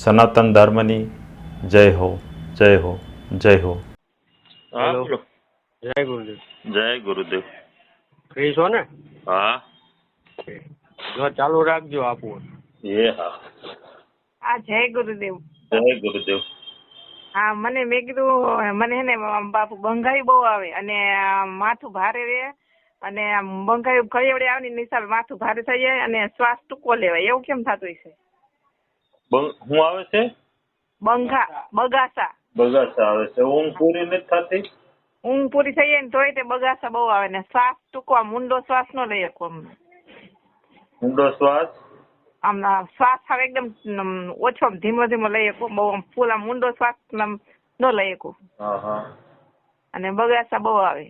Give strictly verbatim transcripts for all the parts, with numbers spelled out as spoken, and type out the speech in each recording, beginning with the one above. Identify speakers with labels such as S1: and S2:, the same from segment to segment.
S1: સનાતન ધર્મની જય હો જય હો જય હો.
S2: હા બોલો.
S3: જય ગુરુદેવ.
S2: જય ગુરુદેવ.
S3: ફ્રી છો ને?
S2: હા.
S3: જો ચાલુ રાખજો આપવું.
S2: એ હા.
S4: હા જય ગુરુદેવ.
S2: જય ગુરુદેવ.
S4: હા મને મેં કીધું મને હે ને બાપુ બંગાઈ બહુ આવે અને માથું ભારે રહે અને બંગાઈ કઈ વડે આવે ને નિશાળ માથું ભારે થઈ જાય અને શ્વાસ ટૂંકો લેવાય એવું કેમ થતું હશે?
S2: શું આવે છે?
S4: બંઘા બગાસા.
S2: બગાસા આવે છે. ઊંઘ પૂરી નથી થતી?
S4: ઊંઘ પૂરી થઈ જાય ને તોય તે બગાસા બહુ આવે ને શ્વાસ ટૂંકો આમ ઊંડો શ્વાસ ન લઈ શકો. આમ
S2: ઊંડો શ્વાસ
S4: આમ શ્વાસ આવે એકદમ ઓછો ધીમો ધીમો લઈ શકો. બહુ આમ ફૂલ આમ ઊંડો શ્વાસ આમ ન લઈ શકો.
S2: હા હા.
S4: અને બગાસા બહુ આવે.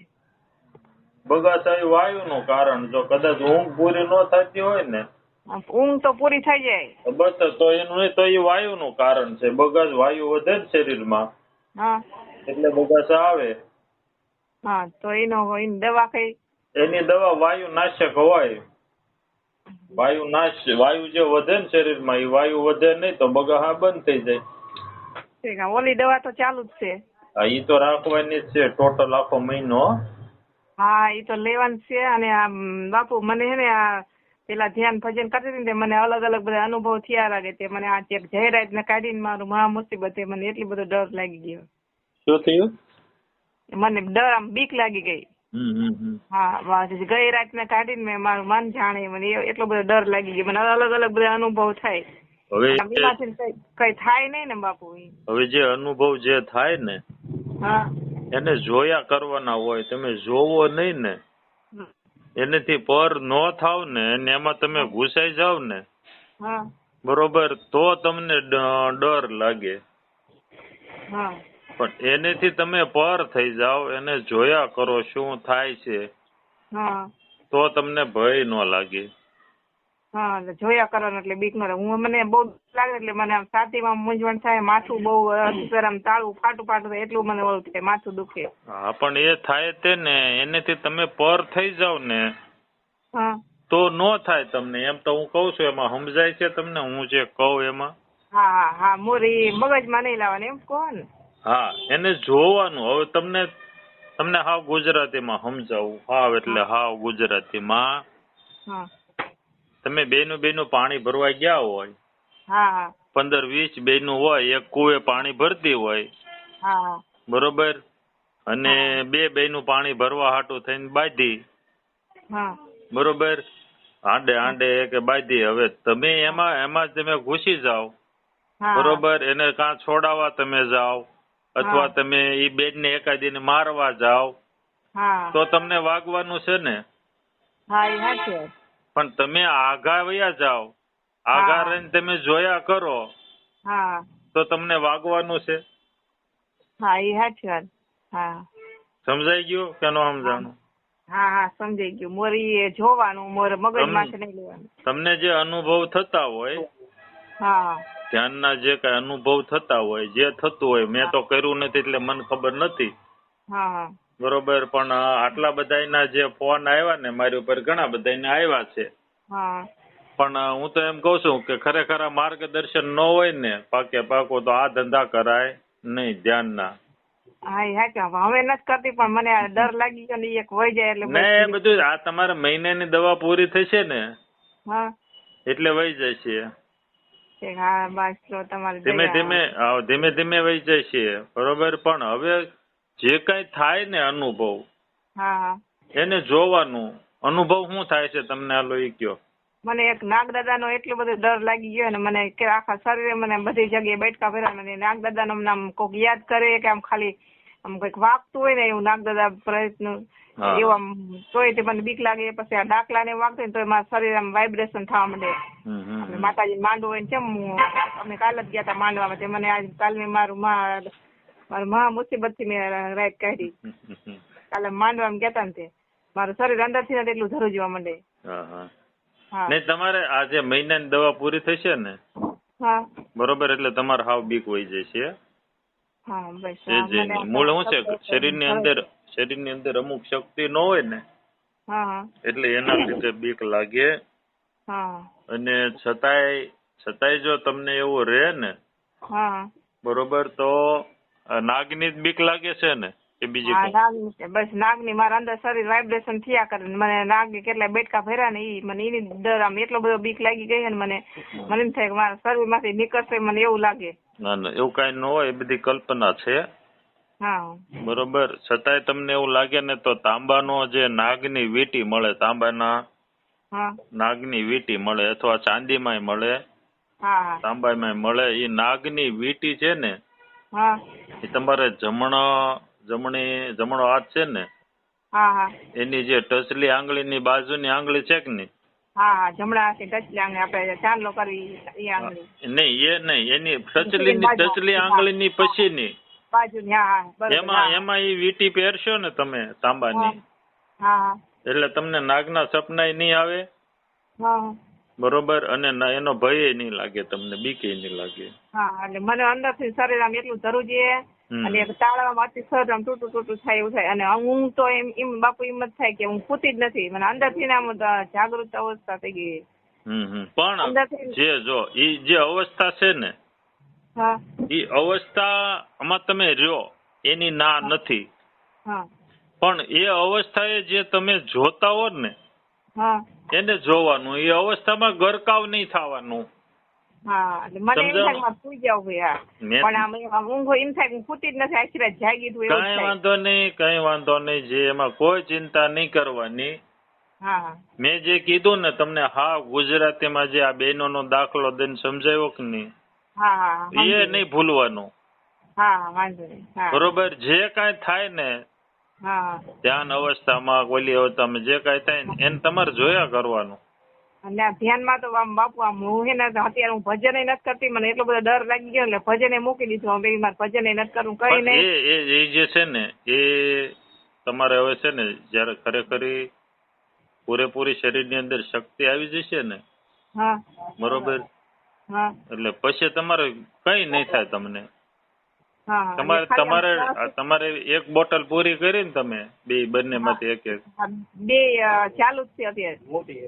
S2: બગાસા એ વાયુનું કારણ. જો કદાચ ઊંઘ પૂરી ન થતી હોય ને
S4: ઊંઘ તો પૂરી થઈ જાય
S2: બસ તો એનું નહીં તો એ વાયુનું કારણ છે. બગાસ વાયુ વધે ને શરીરમાં
S4: હા
S2: એટલે બગાસા આવે.
S4: હા તો એનો એની દવા કઈ?
S2: એની દવા વાયુ નાશક હોય. વાયુ નાશ વાયુ જે વધે ને શરીરમાં એ વાયુ વધે નહીં તો બગાસા બંધ થઈ જાય.
S4: ઓલી દવા તો ચાલુ જ છે.
S2: હા ઈ તો રાખવાની જ છે ટોટલ આખો મહિનો.
S4: હા એ તો લેવાનું છે. અને આ બાપુ મને હે ને આ પેલા ધ્યાન ભજન કરતી હતી ને મને અલગ અલગ બધા અનુભવ થયા લાગે તે મને આ ચેક જાહેરાત ને કાઢીને મારું મહા મુસીબત મને એટલી બધો ડર લાગી ગયો.
S2: શું થયું?
S4: મને ડર આમ બીક લાગી ગઈ. હા ગઈ રાત ને કાઢીને મેં મારું મન જાણે મને એટલો બધો ડર લાગી ગયો. મને અલગ અલગ બધા અનુભવ થાય. હવે કઈ થાય નહીં ને બાપુ.
S2: હવે જે અનુભવ જે થાય ને
S4: હા
S2: એને જોયા કરવાના હોય. તમે જોવો નહીં ને એનેથી પર ન થાવ ને અને એમાં તમે ઘૂસાઈ જાવ ને
S4: હા
S2: બરોબર તો તમને ડર લાગે.
S4: હા
S2: પણ એનેથી તમે પર થઈ જાવ એને જોયા કરો શું થાય છે
S4: હા
S2: તો તમને ભય ન લાગે.
S4: હા એટલે જોયા કરવાનું એટલે બીક ન લાગે. હું મને બહુ લાગે એટલે મને આમ છાતીમાં મૂંઝવણ થાય, માથું બહુ આમ તાળું ફાટું ફાટું થાય એટલું મને ઓલું થાય, માથું દુખે.
S2: હા પણ એ થાય તે ને એનેથી તમે પર થઈ જાવ ને
S4: હા
S2: તો ન થાય તમને. એમ તો હું કઉ છું એમાં સમજાય છે તમને હું જે કહું એમાં?
S4: હા હા હા મોરી મગજમાં નહીં લાવવાની એમ કહો ને.
S2: હા એને જોવાનું. હવે તમને તમને હાવ ગુજરાતીમાં સમજાવું. હાવ એટલે હાવ ગુજરાતીમાં.
S4: હા
S2: તમે બેનું બેનું પાણી ભરવા ગયા હોય.
S4: હા હા
S2: પંદર વીસ બેનું હોય એક કુએ પાણી ભરતી હોય.
S4: હા
S2: બરોબર. અને બે બેનું પાણી ભરવા હાટું થઈને બાંધી.
S4: હા
S2: બરોબર. આંડે આંડે કે બાંધી. હવે તમે એમાં એમાં તમે ઘૂસી જાઓ. બરોબર. એને કાં છોડાવવા તમે જાઓ અથવા તમે ઈ બેન ને એકાદીને મારવા જાઓ તો તમને વાગવાનું છે ને.
S4: હા એ સાચી વાત.
S2: પણ તમે આઘા વયા જાઓ આઘા રહીને તમે જોયા કરો
S4: હા
S2: તો તમને વાગવાનું છે.
S4: હા એ સાચી વાત. હા
S2: સમજાઈ ગયું કે ન સમજાણું?
S4: હા હા સમજાઈ ગયું. મોરી જોવાનું મોર મગજમાંથી નહીં લેવાનું.
S2: તમને જે અનુભવ થતા હોય
S4: હા
S2: ધ્યાનના જે કઈ અનુભવ થતા હોય જે થતું હોય મેં તો કર્યું નથી એટલે મને ખબર નથી.
S4: હા હા
S2: બરોબર. પણ આટલા બધાના જે ફોન આવ્યા ને મારી ઉપર ઘણા બધાને આવ્યા છે.
S4: હા
S2: પણ હું તો એમ કઉ છું કે ખરેખર આ માર્ગદર્શન ન હોય ને પાકે પાકો તો આ ધંધા કરાય નહીં ધ્યાનના.
S4: હા એ સાચું. હવે નથી કરતી પણ મને આ ડર લાગી ગયો ને એક વહી જાય એટલે
S2: ને બધું આ તમારે મહિનાની દવા પૂરી થશે ને
S4: હા
S2: એટલે વહી જાય છે.
S4: હા બસ તો તમારે
S2: ધીમે ધીમે ધીમે ધીમે વહી જાય છે. બરોબર. પણ હવે જે કઈ થાય ને અનુભવ
S4: હા
S2: એને જોવાનું. અનુભવ શું થાય છે તમને આલો ઈ કયો?
S4: મને એક નાગદાદા નો એટલો બધો ડર લાગી ગયો ને મને કે આખા શરીરે મને બધી જગ્યાએ બેઠકા ફેરા. મને નાગદાદા નું નામ કોક યાદ કરે કે આમ ખાલી આમ કઈક વાગતું હોય ને એવું નાગદાદા પ્રયત્ન એવું આમ તોય તે મને બીક લાગે. પછી આ ડાકલા ને વાગતું હોય તો મારા શરીર આમ વાઇબ્રેશન થવા માંડે. માતાજી માંડવું હોય ને કેમ અમે કાલ જ ગયા હતા માંડવામાં તે મને આજ કાલ મેં મારું મારું મહા મુસીબત થી મેં રાત કાઢી. કાલે માંડવામાં ગયા હતા ને તે મારું શરીર અંદર થી એટલું ધરું જવા માંડે.
S2: નહીં તમારે આ જે મહિનાની દવા પૂરી થશે ને બરોબર એટલે તમારે હાવ બીક વહી જશે. મૂળ શું છે શરીરની અંદર શરીરની અંદર અમુક શક્તિ ન હોય ને એટલે એના લીધે બીક લાગે. અને છતાંય છતાંય જો તમને એવું રહે ને
S4: હા
S2: બરોબર. તો આ નાગની જ બીક લાગે છે ને કે બીજી
S4: હા
S2: કઈ?
S4: નાગની છે બસ. નાગની મારા અંદર શરીર વાઇબ્રેશન થયા કરે ને મને નાગની કેટલા બેટકા ભર્યા ને ઈ મને એની ડર આમ એટલો બધો બીક લાગી ગઈ છે ને મને મને એમ થાય કે મારા શરીરમાંથી નીકળશે મને એવું લાગે.
S2: ના ના એવું કઈ ન હોય, એ બધી કલ્પના છે.
S4: હા
S2: બરોબર. છતાંય તમને એવું લાગે ને તો તાંબાનો જે નાગની વીંટી મળે, તાંબાના
S4: હા
S2: નાગની વીંટી મળે અથવા ચાંદીમાંય મળે,
S4: હા હા
S2: તાંબામાંય મળે. એ નાગની વીંટી છે ને
S4: હા
S2: એ તમારે જમણો જમણી જમણો હાથ છે ને
S4: હા હા
S2: એની જે ટચલી આંગળીની બાજુની આંગળી છે કે નહીં?
S4: હા હા જમણા હાથે ટચલી આંગળી આપણે ચાંદલો કરવી એ આંગળી
S2: નહીં એ નહીં, એની ટચલીની ટચલી આંગળીની પછીની
S4: બાજુની. હા હા બરોબર.
S2: એમાં એમાં એ વીંટી પહેરશો ને તમે તાંબાની,
S4: હા હા
S2: એટલે તમને નાગના સપનાય નહીં આવે.
S4: હા
S2: બરોબર. અને ના એનો ભય નહીં લાગે તમને, બીકે નહીં લાગે.
S4: હા એટલે મને અંદરથી શરીર આમ એટલું ધરું છે
S2: હમ.
S4: અને તાળવામાં અતિશય આમ તૂટું તૂટું થાય એવું થાય. અને હું તો એમ એમ બાપુ એમ જ થાય કે હું પૂતી જ નથી. મને અંદરથી ને આમ જાગૃત અવસ્થા થઈ ગઈ.
S2: હમ હમ. પણ
S4: અંદરથી
S2: જે જો ઈ જે અવસ્થા છે ને
S4: હા
S2: ઈ અવસ્થા આમાં તમે રહ્યો એની ના નથી,
S4: હા
S2: પણ એ અવસ્થાએ જે તમે જોતા હો ને
S4: હા
S2: એને જોવાનું. એ અવસ્થામાં ગરકાવ નહીં થવાનું.
S4: હા એટલે મને એમ થાય કે મારે સુઈ જાવ ભાઈ.
S2: મેં-
S4: પણ આમ આમ ઊંઘ એમ થાય કે હું પૂતી જ નથી, આખી રાત જાગી છું એવું
S2: કઈ
S4: થાય.
S2: વાંધો નહીં, કઈ વાંધો નહીં. જે એમાં કોઈ ચિંતા નહીં કરવાની.
S4: હા હા
S2: મેં જે કીધું ને તમને, હા ગુજરાતીમાં જે આ બહેનોનો દાખલો દઈને સમજાવ્યો કે નહીં,
S4: હા હા
S2: એ નહીં ભૂલવાનું.
S4: હા હા વાંધો નહીં. હા
S2: બરોબર. જે કાંઈ થાય ને
S4: હા હા
S2: ધ્યાન અવસ્થામાં ઓલી અવસ્થામાં જે કાંઈ થાય ને એને તમારે જોયા કરવાનું.
S4: અને આ ધ્યાનમાં તો આમ બાપુ આમ હું હે ને અત્યારે હું ભજન નથી કરતી. મને એટલો બધો ડર લાગી ગયો એટલે ભજને મૂકી દીધું. હવે મારે ભજન નથી કરવું કઈ
S2: પણ
S4: નહીં.
S2: એ એ એ જે છે ને એ તમારે હવે છે ને જયારે ખરેખર ઈ પૂરેપૂરી શરીરની અંદર શક્તિ આવી જશે ને,
S4: હા
S2: બરોબર,
S4: હા
S2: એટલે પછી તમારે કઈ નહીં થાય તમને.
S4: હા હા.
S2: તમારે
S4: એટલે ખાલી
S2: તમારે
S4: આમ
S2: આ તમારે એક બોટલ પૂરી કરી ને તમે બે બંને માંથી એક એક
S4: હા, બે અ, ચાલુ જ છે અત્યારે.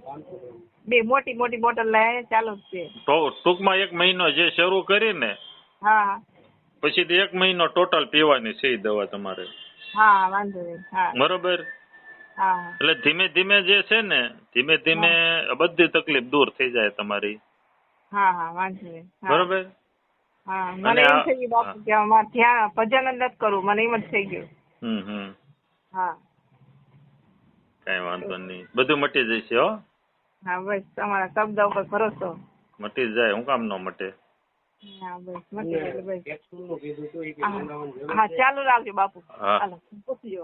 S4: બે મોટી મોટી બોટલ લાય ચાલુ જ છે.
S2: તો ટૂંકમાં એક મહિનો જે શરૂ કરી ને
S4: હા હા
S2: પછી તો એક મહિનો ટોટલ પીવાની છે ઈ દવા તમારે.
S4: હા વાંધો નહીં. હા
S2: બરોબર.
S4: હા
S2: એટલે ધીમે ધીમે જે છે ને ધીમે ધીમે બધી તકલીફ દૂર થઈ જાય તમારી.
S4: હા હા વાંધો નહીં. હા.
S2: બરોબર.
S4: હા મને
S2: અને
S4: એમ
S2: આ-
S4: થઈ ગયું બાપુ કે અમારે ધ્યાન ભજન જ નથી કરવું. મને એમ જ થઈ ગયું.
S2: હમ હમ.
S4: હા
S2: કઈ વાંધો નહીં, બધું મટી જશે હો.
S4: હા બસ તમારા શબ્દ ઉપર ભરોસો.
S2: મટી જ જાય, હું કામ ન મટે.
S4: હા બસ મટી ગયું બસ. હા, હા ચાલુ રાખજો બાપુ.
S2: હા.
S4: હાલો પૂછજો.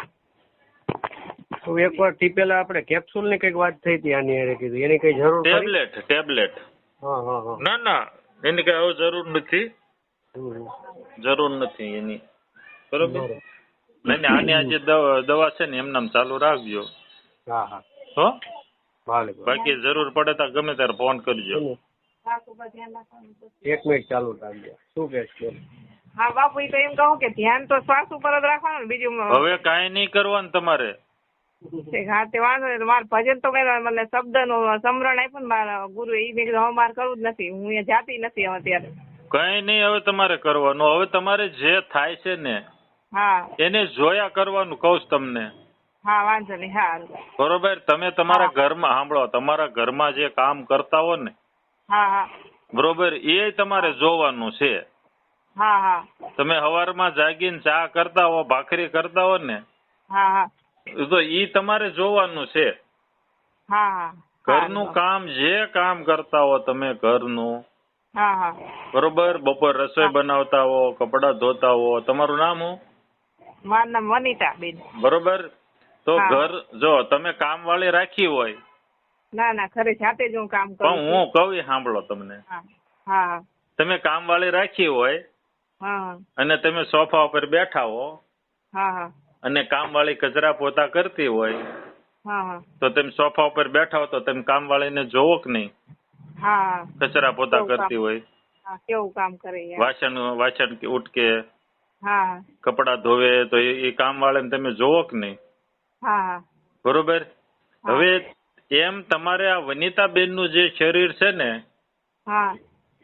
S3: તો એકવાર થી પેલા આપણે કેપ્સ્યુલ ની કઈક વાત થઈ હતી આની હારે કીધું એની કઈ જરૂર ખરી?
S2: ટેબ્લેટ ટેબ્લેટ
S3: હા હા હા
S2: ના ના એની કઈ હવે જરૂર નથી,
S3: હમ.
S2: જરૂર નથી એની. બરોબર.
S3: બરોબર.
S2: નહીં નહીં, આની આજે દવા દવા છે ને એમનામ ચાલુ રાખજો
S3: હા હા
S2: હો.
S3: ભલે ભલે.
S2: બાકી જરૂર પડે તો ગમે ત્યારે ફોન કરજો.
S4: બાપુ પર ધ્યાન રાખવાનું તો.
S3: એક મિનિટ ચાલુ રાખજો. શું કે છે?
S4: હા બાપુ એ તો એમ કહું કે ધ્યાન તો શ્વાસ ઉપર જ રાખવાનું ને બીજું
S2: હવે કાંઈ નહીં કરવાનું તમારે.
S4: હા તે વાંધો નહીં. મારે ભજન તો મેં મને શબ્દનું સમરણ આપ્યું ને મારા ગુરુ એ મેં કીધું હવે મારે કરવું જ નથી. હું અહીંયા જાતી નથી હવે અત્યારે.
S2: કઈ નહીં હવે તમારે કરવાનું. હવે તમારે જે થાય છે ને
S4: હા
S2: એને જોયા કરવાનું કહું છું તમને.
S4: હા વાંધો નહીં. હા
S2: બરોબર. તમે તમારા ઘરમાં સાંભળો, તમારા ઘરમાં જે કામ કરતા હો ને,
S4: હા હા
S2: બરોબર, એ તમારે જોવાનું છે.
S4: હા હા
S2: તમે સવારમાં જાગીને ચા કરતા હો, ભાખરી કરતા હો ને,
S4: હા હા
S2: તો ઈ તમારે જોવાનું છે.
S4: હા હા
S2: ઘરનું કામ જે કામ કરતા હો તમે ઘરનું,
S4: હા હા
S2: બરોબર, બપોર રસોઈ બનાવતા હો, કપડાં ધોતા હો, તમારું નામ હું?
S4: મારું નામ વનિતા બેન.
S2: બરોબર. તો
S4: હા.
S2: ઘર જો તમે કામ વાળી રાખી હોય,
S4: ના ના ખરે જાતે જ હું કામ કરું
S2: પણ
S4: છું.
S2: હું કહું ઈ સાંભળો તમને.
S4: હા હા
S2: તમે કામ વાળી રાખી હોય
S4: હા
S2: અને તમે સોફા ઉપર બેઠા હો
S4: હા હા
S2: અને કામ વાળી કચરા પોતા કરતી હોય,
S4: હા હા
S2: તો તમે સોફા ઉપર બેઠા હો તો તમે કામ વાળીને જોવો કે નહીં?
S4: હા
S2: કચરા પોતા
S4: કેવું કામ?
S2: કરતી હોય,
S4: હા કેવું કામ કરે યાર.
S2: વાસણ વાસણ કે ઉટકે,
S4: હા
S2: કપડા ધોવે, તો એ કામ વાળાને તમે જોવો કે નહીં?
S4: હા હા
S2: બરોબર.
S4: હા.
S2: હવે એમ તમારે આ વનિતાબેન નું જે શરીર છે ને
S4: હા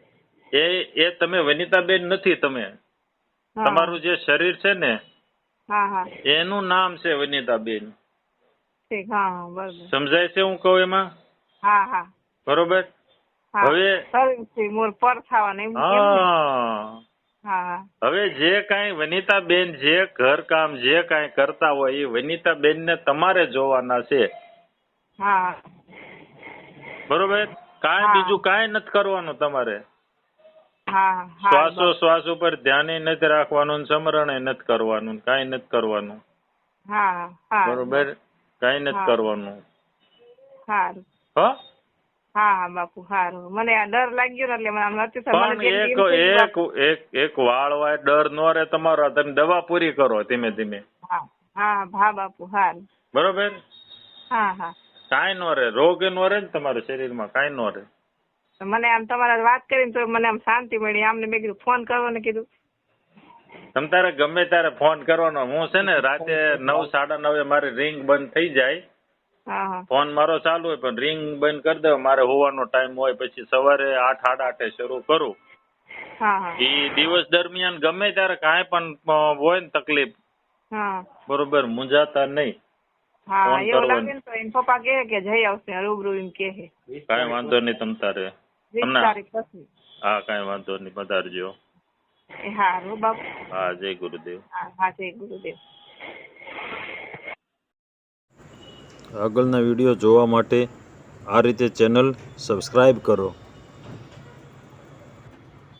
S2: એ એ તમે વનિતાબેન નથી. તમે
S4: હા.
S2: તમારું જે શરીર છે ને
S4: હા હા
S2: એનું નામ છે વનિતાબેન.
S4: ઠીક. હા હા બરોબર.
S2: સમજાય છે હું કહું એમાં?
S4: હા હા
S2: બરોબર.
S4: હા
S2: હવે
S4: શરીરથી મોર પર થવાના એમ એમ ને?
S2: હા
S4: હા હા
S2: હવે જે કાંઈ વનિતાબેન જે ઘરકામ જે કાંઈ કરતા હોય એ વનિતાબેન ને તમારે જોવાના છે.
S4: હા
S2: બરોબર. કાંઈ
S4: હા.
S2: બીજું કાંઈ નથી કરવાનું તમારે.
S4: હા હા
S2: શ્વાસો
S4: બાપુ.
S2: શ્વાસ ઉપર ધ્યાન નથી રાખવાનું, સમરણે નથી કરવાનું, કાંઈ નથી કરવાનું.
S4: હા હા
S2: બરોબર. કાંઈ નથી
S4: હા.
S2: કરવાનું.
S4: સારું.
S2: હો
S4: હા હા બાપુ સારું. મને આ ડર લાગ્યો ને એટલે મને આમ નથી થયું. મને
S2: પણ
S4: જેમ
S2: એક
S4: એમ થયું કે
S2: એક
S4: બાપુ.
S2: એક એક વાળ હોય ડર નો રહે તમારો. તમે દવા પૂરી કરો ધીમે ધીમે.
S4: હા હા હા બાપુ સારું.
S2: બરોબર.
S4: હા હા
S2: કાંઈ નો રહે. રોગ નો રહે ને તમારા શરીરમાં. કાંઈ નો રહે.
S4: મને આમ તમારા વાત કરીને તો મને આમ શાંતિ મળી. આમને મેં કીધું ફોન કરવો ને કીધું.
S2: તમ તારે ગમે ત્યારે ફોન કરવાનો. હું છે ને રાતે નવ સાડા નવે મારી રિંગ બંધ થઈ જાય.
S4: હા હા
S2: ફોન મારો ચાલુ હોય પણ રિંગ બંધ કરી દઉં. મારે હોવાનો ટાઈમ હોય પછી સવારે આઠ સાડા આઠે શરૂ કરું.
S4: હા હા
S2: એ દિવસ દરમિયાન ગમે ત્યારે કાંઈ પણ હોય ને તકલીફ,
S4: હા
S2: બરોબર, મૂંઝાતા નહીં.
S4: હા
S2: ફોન
S4: એવું
S2: કરવાનો.
S4: લાગે ને તો એમ પપ્પા કહે કે જઈ આવશે રૂબરૂ એમ કહે.
S2: કાંઈ વાંધો નહીં તમ તારે.
S4: વીસ
S2: તમને
S4: તારીખ પછી.
S2: હા કાંઈ વાંધો નહીં. પધારજો.
S4: એ હારું બાપુ.
S2: હા જય ગુરુદેવ.
S4: હા હા જય ગુરુદેવ.
S1: આગળના વિડીયો જોવા માટે આ રીતે ચેનલ સબસ્ક્રાઈબ કરો.